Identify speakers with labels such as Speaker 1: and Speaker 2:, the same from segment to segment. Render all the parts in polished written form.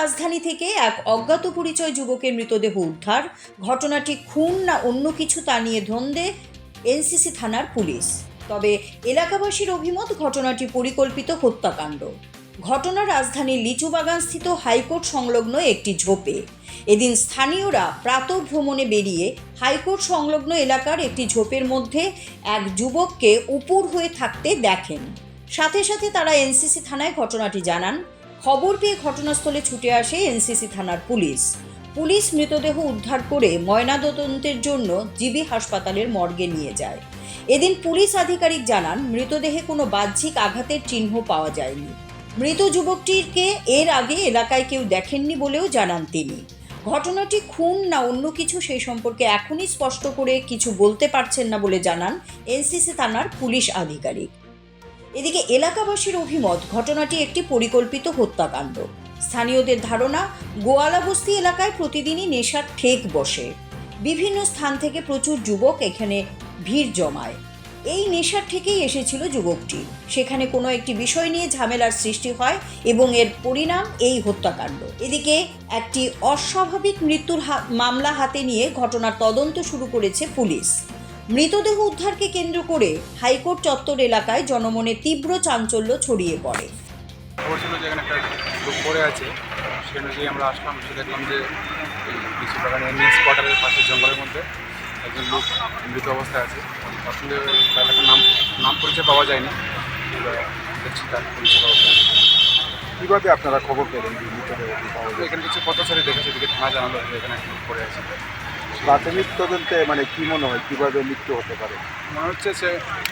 Speaker 1: রাজধানী থেকে এক অজ্ঞাত পরিচয় যুবকের মৃতদেহ উদ্ধার। ঘটনাটি খুন না অন্য কিছু তা নিয়ে ধন্দে এনসিসি থানার পুলিশ। তবে এলাকাবাসীর অভিমত ঘটনাটি পরিকল্পিত হত্যাকাণ্ড। ঘটনা রাজধানীর লিচুবাগানস্থিত হাইকোর্ট সংলগ্ন একটি ঝোপে। এদিন স্থানীয়রা প্রাতঃভ্রমণে বেরিয়ে হাইকোর্ট সংলগ্ন এলাকার একটি ঝোপের মধ্যে এক যুবককে উপুর হয়ে থাকতে দেখেন। সাথে সাথে তারা এনসিসি থানায় ঘটনাটি জানান। খবর পেয়ে ঘটনাস্থলে ছুটে আসে এনসিসি থানার পুলিশ। পুলিশ মৃতদেহ উদ্ধার করে ময়নাতদন্তের জন্য জিবি হাসপাতালের মর্গে নিয়ে যায়। এদিন পুলিশ আধিকারিক জানান, মৃতদেহে কোনো বাহ্যিক আঘাতের চিহ্ন পাওয়া যায়নি। মৃত যুবকটিকে এর আগে এলাকায় কেউ দেখেননি বলেও জানান তিনি। ঘটনাটি খুন না অন্য কিছু সেই সম্পর্কে এখনই স্পষ্ট করে কিছু বলতে পারছেন না বলে জানান এনসিসি থানার পুলিশ আধিকারিক। এদিকে এলাকাবাসীর অভিমত ঘটনাটি একটি পরিকল্পিত হত্যাকাণ্ড। স্থানীয়দের ধারণা, গোয়ালাবস্তি এলাকায় প্রতিদিনই নেশার ঠেক বসে। বিভিন্ন স্থান থেকে প্রচুর যুবক এখানে ভিড় জমায়। এই নেশার ঠেকেই এসেছিল যুবকটি। সেখানে কোনো একটি বিষয় নিয়ে ঝামেলার সৃষ্টি হয় এবং এর পরিণাম এই হত্যাকাণ্ড। এদিকে একটি অস্বাভাবিক মৃত্যুর মামলা হাতে নিয়ে ঘটনার তদন্ত শুরু করেছে পুলিশ। মৃতদেহ উদ্ধারকে কেন্দ্র করে হাইকোর্ট চত্বর এলাকায় জনমনে তীব্র চাঞ্চল্য ছড়িয়ে পড়ে।
Speaker 2: খবর ছিল যে এখানে একটা লোক পড়ে আছে, সেখানে গিয়ে আমরা আসলাম, এসে দেখলাম যে এই লিচু বাগানের মিক্স কোয়ার্টারের পাশে জঙ্গলের মধ্যে একজন লোক মৃত অবস্থায় আছে। আসলে তার একটা নাম পরিচয় পাওয়া যায়নি, দেখছি তার পরিচয় পাওয়া যায়।
Speaker 3: কীভাবে আপনারা খবর পেলেন যে মৃতদেহটি পাওয়া যায়?
Speaker 2: এখানে কিছু পথচারী দেখেছে, এদিকে থানা জানালো যে এখানে একটা লোক পড়ে আছে।
Speaker 3: প্রাথমিক তদন্তে মানে কী মনে হয় কীভাবে মৃত্যু হতে পারে?
Speaker 2: মনে হচ্ছে সে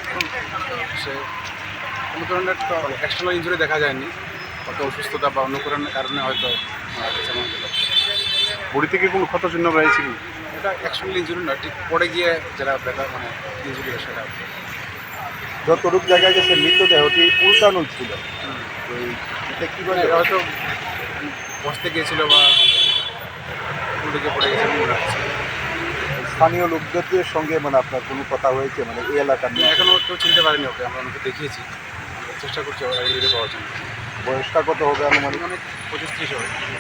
Speaker 2: কোনো ধরনের তো এক্সটার্নাল ইঞ্জুরি দেখা যায়নি, হয়তো অসুস্থতা বা অন্য কোনো কারণে হয়তো মারা গেছে মনে হলো।
Speaker 3: বডি থেকে কোনো ক্ষত চিহ্ন রয়েছে কি?
Speaker 2: এটা এক্সটার্নাল ইঞ্জুরি না, ঠিক পড়ে গিয়ে যেটা ব্যথা মানে ইঞ্জুরি হয় সেটা।
Speaker 3: যতটুকু জায়গায় গেছে মৃতদেহটি উল্টানো ছিল, তো এটা কীভাবে
Speaker 2: হয়তো বসতে গিয়েছিল বা উল্টে পড়ে গেছে মনে হচ্ছে।
Speaker 3: স্থানীয় লোকদের সঙ্গে মানে আপনার কোনো কথা হয়েছে মানে এই এলাকার নিয়ে?
Speaker 2: এখনও কেউ চিনতে পারেনি ওকে, আমরা ওনাকে দেখিয়েছি, চেষ্টা করছি ওরা পাওয়ার জন্য।
Speaker 3: বয়সটা কত হবে আনুমানিক?
Speaker 2: অনেক 25-30 হবে।